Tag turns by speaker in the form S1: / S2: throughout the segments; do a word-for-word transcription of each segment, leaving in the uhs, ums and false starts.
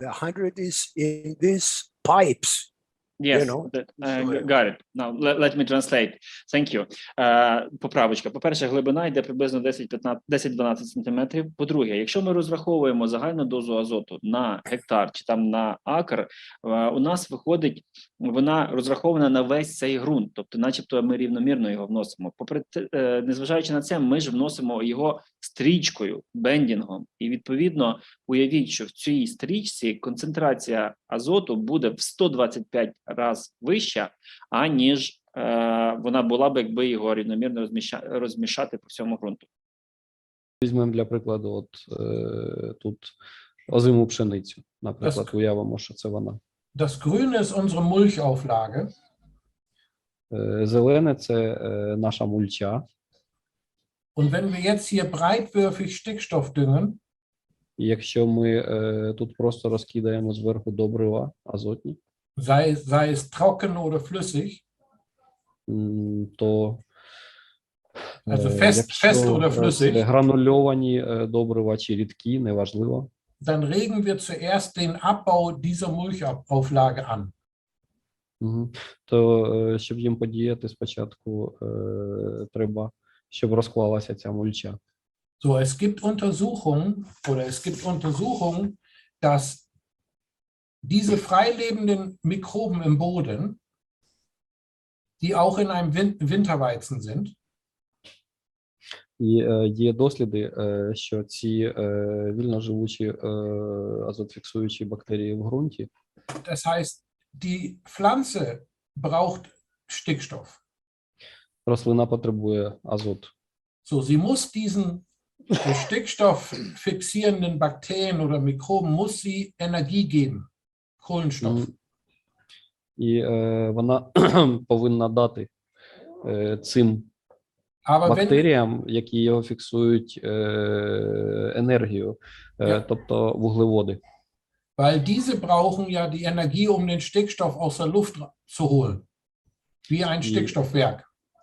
S1: The hundred is in these pipes.
S2: Yes,
S1: You know,
S2: that, uh, got it. Now, let, let me translate. Thank you. Uh, поправочка. По-перше, глибина йде приблизно десять-дванадцять сантиметрів. По-друге, якщо ми розраховуємо загальну дозу азоту на гектар чи там на акр, uh, у нас виходить, вона розрахована на весь цей ґрунт, тобто начебто ми рівномірно його вносимо. Попри те, uh, незважаючи на це, ми ж вносимо його стрічкою, бендінгом. І відповідно, уявіть, що в цій стрічці концентрація азоту буде в сто двадцять п'ять раз вища, аніж е, вона була б, якби його рівномірно розміщати, розмішати по всьому ґрунту.
S3: Візьмемо для прикладу, от е, тут озиму пшеницю. Наприклад,
S4: Das-
S3: уявимо, що це вона.
S4: Das Grüne ist unsere Mulchauflage.
S3: Е, Зелене – це е, наша мульча.
S4: Und wenn wir jetzt hier breitwürfig Stickstoff düngen,
S3: І якщо ми е, тут просто розкидаємо зверху добрива азотні,
S4: sei, sei es trocken oder flüssig,
S3: м, то
S4: also
S3: е,
S4: fest,
S3: якщо
S4: fest oder
S3: це
S4: flüssig,
S3: гранульовані е, добрива чи рідкі, неважливо,
S4: dann regen wir zuerst den Abbau dieser Mulchauflage an.
S3: Мгм. то е, щоб їм подіяти, спочатку е, треба, щоб розклалася ця мульча.
S4: So, es gibt Untersuchungen oder es gibt Untersuchungen, dass diese freilebenden Mikroben im Boden, die auch in einem Win Winterweizen sind,
S3: І е, є досліди, е, що ці е, вільноживучі е, азотфіксуючі бактерії в ґрунті,
S4: das heißt, die Pflanze braucht Stickstoff.
S3: рослина потребує азот.
S4: So, sie muss diesen äh, Stickstoff fixierenden Bakterien oder Mikroben, muss sie Energie geben, Kohlenstoff.
S3: М. І е, вона повинна дати е, цим
S4: Aber wenn,
S3: бактеріям, які його фіксують, е, енергію, е,
S4: Я-
S3: тобто вуглеводи.
S4: weil diese brauchen ja die Energie, um den Stickstoff aus der Luft ra- zu holen, wie ein
S3: Die-
S4: Stickstoffwerk.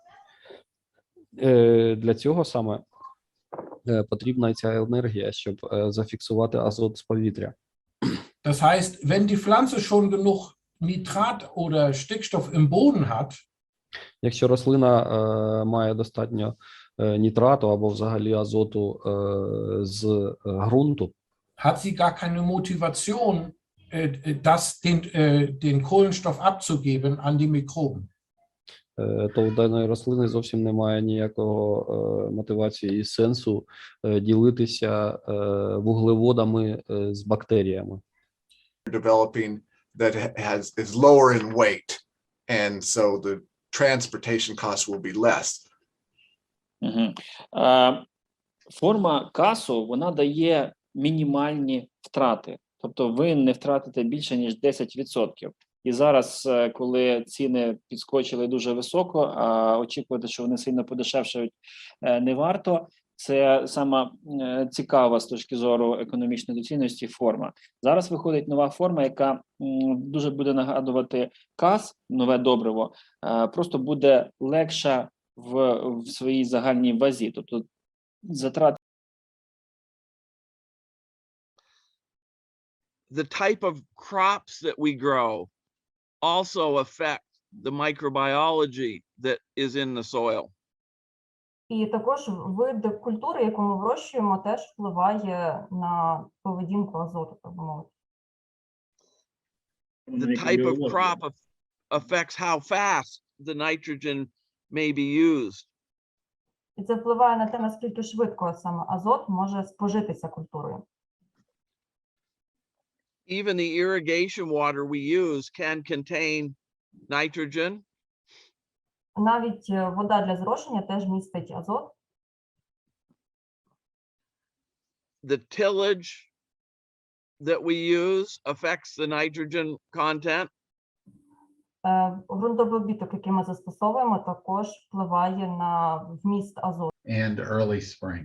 S3: Е, Для цього саме е, потрібна ця енергія, щоб е, зафіксувати азот з повітря.
S4: Das heißt, wenn die Pflanze schon genug Nitrat oder Stickstoff im Boden hat,
S3: Якщо рослина е, має достатньо е, нітрату або взагалі азоту е, з е, ґрунту,
S4: hat sie gar keine Motivation, äh, das, den, äh, den Kohlenstoff abzugeben an die Mikroben.
S3: е, то у даної рослини зовсім немає ніякого е, мотивації і сенсу е, ділитися е, вуглеводами е, з бактеріями.
S5: developing that ha- has is lower in weight, and so the transportation costs will be less.
S2: Угу. Е, форма касу, вона дає мінімальні втрати. Тобто ви не втратите більше, ніж десять відсотків. І зараз, е, коли ціни підскочили дуже високо, а очікувати, що вони сильно подешевшають, е, не варто. Це сама е, цікава з точки зору економічної доцільності форма. Зараз виходить нова форма, яка м, дуже буде нагадувати кас, нове добриво, е, просто буде легша в, в своїй загальній вазі. Тобто затрати
S6: the type of crops that we grow also affect the microbiology that is in the soil.
S7: І також вид культури, яку ми вирощуємо, теж впливає на поведінку азоту, так би мовити.
S6: The type of crop af- affects how fast the nitrogen may be used.
S7: І це впливає на те, наскільки швидко саме азот може спожитися культурою.
S6: Even the irrigation water we use can contain nitrogen.
S7: Навіть е, вода для зрошення теж містить азот.
S6: The tillage that we use affects the nitrogen content.
S7: Е, Ґрунтовий обробіток, який ми застосовуємо, також впливає на вміст азоту.
S8: and early spring.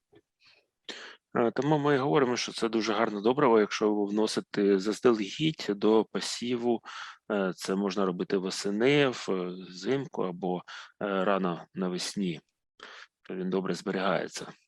S9: Е, Тому ми говоримо, що це дуже гарне добриво, якщо ви вносите заздалегідь до посіву. Е, Це можна робити восени, взимку або е, рано навесні. То він добре зберігається.